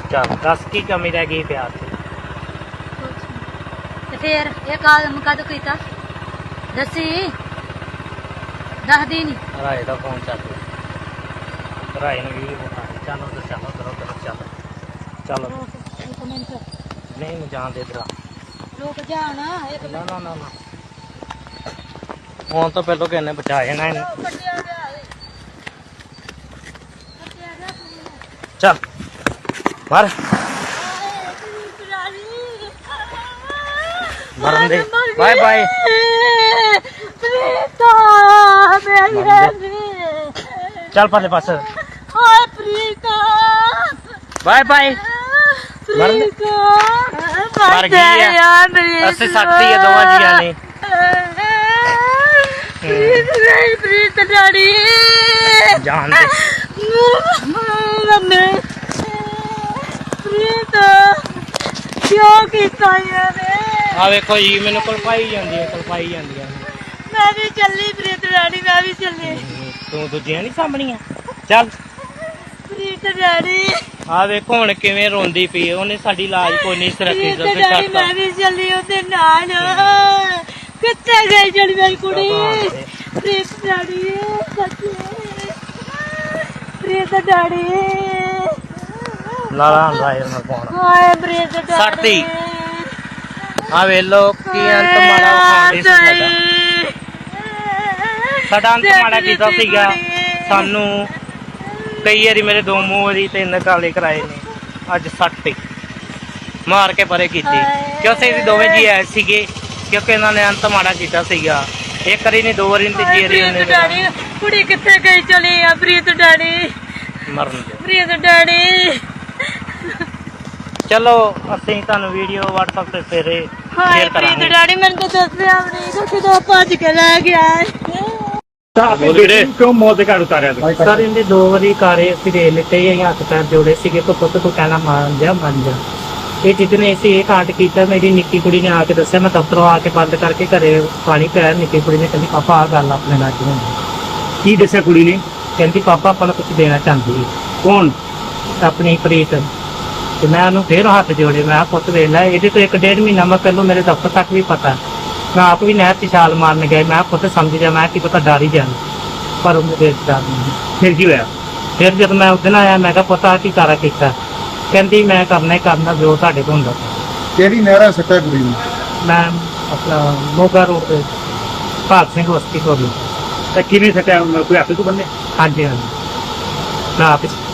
ਚੱਲ ਦੱਸ ਕੀ ਕਮੀ ਰਹਿ ਗਈ ਪਿਆਰ ਦੀ? ਤੇ ਫੇਰ ਇਹ ਕੰਮ ਕਦੋਂ ਕੀਤਾ ਦੱਸੀ ਦੱਸਦੀ ਨੀ। ਰਾਏ ਦਾ ਫੋਨ ਚੱਲ ਰਿਹਾ, ਰਾਏ ਨੂੰ ਵੀਡੀਓ ਵਿਖਾ ਦੇ। ਚੱਲ ਉਧਰ ਚੱਲ, ਉਧਰ ਚੱਲ ਚੱਲ। ਇੱਕ ਮਿੰਟ ਨਹੀਂ ਮੈਂ ਜਾਣ ਦੇ ਇਧਰ। ਰੁਕ ਜਾ ਨਾ ਇੱਕ ਨਾ ਨਾ ਨਾ ਨਾ, ਹੁਣ ਤਾਂ ਪਹਿਲਾਂ ਕਿਹਨੇ ਬਚਾ ਜਾਣਾ ਇਹਨੂੰ। ਕੱਟਿਆ ਗਿਆ ਏ ਕੱਟਿਆ ਗਿਆ ਚੱਲ ਮਰ ਮਰਨ ਦੇ। ਬਾਏ ਬਾਏ ਪ੍ਰੀਤਾ ਮੇਰੀ ਚੱਲ ਪਰਲੇ ਪਾਸੇ। ਹਾਏ ਪ੍ਰੀਤਾ ਬਾਏ ਬਾਏ। ਮਰਨ ਦੇ। ਮਰ ਗਈ ਆ, ਅਸੀਂ ਸੱਟਤੀ ਆ ਦੋਵਾਂ ਜੀਆਂ ਨੇ। ਪ੍ਰੀਤ ਡੈਡੀ ਜਾਣ ਦੇ। ਮੰਮੀ ਪ੍ਰੀਤ ਕਿਉਂ ਕੀਤਾ ਯਾਰ? ਆ ਵੇਖੋ ਜੀ ਮੈਨੂੰ ਕਲਪਾਈ ਜਾਂਦੀ ਹੈ, ਕਲਪਾਈ ਜਾਂਦੀਆਂ ਨੇ। ਮੈਂ ਵੀ ਚੱਲੀ ਪ੍ਰੀਤ ਡੈਡੀ, ਮੈਂ ਵੀ ਚੱਲੀ। ਤੂੰ ਦੂਜੀਆਂ ਨਹੀਂ ਸਾਂਭਣੀਆਂ? ਚੱਲ ਪ੍ਰੀਤ ਡੈਡੀ ਆ ਵੇਖੋ ਹੁਣ ਕਿਵੇਂ ਰੋਂਦੀ ਪਈ। ਉਹਨੇ ਸਾਡੀ ਲਾਜ ਕੋਈ ਨਹੀਂ ਸਰਕੀ ਪ੍ਰੀਤ ਡੈਡੀ ਮੈਂ ਵੀ ਚੱਲੀ ਉਹਦੇ ਨਾਲ। ਕਿੱਥੇ ਗਈ ਜਿਹੜੀ ਮੇਰੀ ਕੁੜੀ? ਪ੍ਰੀਤ ਡੈਡੀ ਸੱਚੇ ਪ੍ਰੀਤ ਡੈਡੀ ਲਾਲਾ ਰਾਏ ਨਾਲ ਫੋਨ। ਹਾਏ ਪ੍ਰੀਤ ਡੈਡੀ ਸੱਟਤੀ। ਆ ਵੇਲੋ ਕੀ ਅੰਤ ਮਾੜਾ ਖਾਂਦੀ ਸੀ ਸਾਡਾ। ਸਾਡਾ ਅੰਤ ਮਾੜਾ ਕੀਤਾ ਸੀਗਾ। ਸਾਨੂੰ ਕਈ ਵਾਰੀ ਮੇਰੇ ਦੋ ਮੂੰਹ ਵਾਰੀ 3 ਕਾਲੇ ਕਰਾਏ ਨੇ। ਅੱਜ ਸੱਟ ਮਾਰ ਕੇ ਪਰੇ ਕੀਤੀ ਕਿਉਂਕਿ ਅਸੀਂ ਦੋਵੇਂ ਜੀ ਆਏ ਸੀਗੇ, ਕਿਉਂਕਿ ਇਹਨਾਂ ਨੇ ਅੰਤ ਮਾੜਾ ਕੀਤਾ ਸੀਗਾ। ਇੱਕ ਵਾਰੀ ਨਹੀਂ, 2 ਵਾਰੀ ਨਹੀਂ, ਤੀਜੀ ਵਾਰੀ ਉਹਨੇ। ਕੁੜੀ ਕਿੱਥੇ ਗਈ ਚਲੀ ਆ ਪ੍ਰੀਤ ਡੈਡੀ? ਮਰਨ ਦੇ। ਪ੍ਰੀਤ ਡੈਡੀ ਚਲੋ ਅਸੀਂ ਤੁਹਾਨੂੰ ਵੀਡੀਓ WhatsApp ਤੇ ਫੇਰੇ ਹਾਏ ਸ਼ੇਅਰ ਪ੍ਰੀਤ ਕਰਾਂਗੇ। ਡੈਡੀ ਮੈਨੂੰ ਤਾਂ ਦੱਸਿਆ ਵੀ ਨਹੀਂ, ਕਿਦੋਂ ਭੱਜ ਕੇ ਲੈ ਗਿਆ। ਕਿਉਂ ਮੌਤ ਦੇ ਘਰ ਉਤਾਰਿਆ ਤੂੰ? ਸਰ ਇਹਦੇ 2 ਵਾਰੀ ਕਾਰੇ ਅਸੀਂ ਦੇ ਲਿੱਤੇ, ਅਸੀਂ ਹੱਥ ਪੈਰ ਜੋੜੇ ਸੀਗੇ ਕਿ ਪੁੱਤ ਤੂੰ ਕਹਿਣਾ ਮੰਨ ਜਾ ਮੰਨ ਜਾ। ਇਹ ਜਿੱਦਨੇ ਅਸੀਂ ਇਹ ਕਾਂਡ ਕੀਤਾ, ਮੇਰੀ ਨਿੱਕੀ ਕੁੜੀ ਨੇ ਆ ਕੇ ਦੱਸਿਆ। ਮੈਂ ਦਫ਼ਤਰੋਂ ਆ ਕੇ ਬੰਦ ਕਰਕੇ ਘਰੇ ਪਾਣੀ ਪਿਆ। ਨਿੱਕੀ ਕੁੜੀ ਨੇ ਕਹਿੰਦੀ ਪਾਪਾ ਆਹ ਗੱਲ ਆਪਣੇ ਨਾਲ ਕਿਉਂ ਹੋਈ? ਕੀ ਦੱਸਿਆ ਕੁੜੀ ਨੇ? ਕਹਿੰਦੀ ਪਾਪਾ ਆਪਾਂ ਨੂੰ ਕੁਝ ਦੇਣਾ ਚਾਹੁੰਦੀ ਹੈ। ਕੌਣ? ਆਪਣੀ ਪ੍ਰੀਤ। ਤੇ ਮੈਂ ਉਹਨੂੰ ਫੇਰ ਹੱਥ ਜੋੜੇ। ਮੈਂ ਕਿਹਾ ਪੁੱਤ ਵੇਖ ਲੈ, ਇਹਦੇ ਤੋਂ 1.5 ਮਹੀਨਾ ਮੈਂ ਪਹਿਲੋਂ ਮੇਰੇ ਦਫ਼ਤਰ ਤੱਕ ਵੀ ਪਤਾ। ਮੈਂ ਆਪ ਵੀ ਨਹਿਰ 'ਚ ਛਾਲ ਮਾਰਨ ਗਿਆ। ਮੈਂ ਕਿਹਾ ਪੁੱਤ ਸਮਝ ਜਾ, ਮੈਂ ਕੀ ਪਤਾ ਡਰ ਹੀ ਜਾਣਾ, ਪਰ ਉਹ ਮੇਰੇ ਡਰ ਨਹੀਂ। ਫਿਰ ਕੀ ਹੋਇਆ? ਫਿਰ ਜਦ ਮੈਂ ਉਸ ਦਿਨ ਆਇਆ ਮੈਂ ਕਿਹਾ ਪੁੱਤ ਆਹ ਕੀ ਕਾਰਾ ਕੀਤਾ? ਕਹਿੰਦੀ ਮੈਂ ਕਰਨਾ ਹੀ ਕਰਨਾ ਜੋ ਤੁਹਾਡੇ ਤੋਂ ਹੁੰਦਾ। ਕਿਹੜੀ ਨਹਿਰਾ ਸੱਟਾ ਕੁੜੀ ਨੂੰ? ਮੈਂ ਆਪਣਾ ਮੋਗਾ ਰੋਡ ਤੇ ਭਾਗ ਸਿੰਘ ਬਸਤੀ ਕੋਲ। ਤਾਂ ਕਿਵੇਂ ਸੱਟਿਆ? ਕੋਈ ਹੱਥ ਤੋਂ ਬੰਨੇ? ਹਾਂਜੀ ਹਾਂਜੀ ਮੈਂ ਆਪ ਹੀ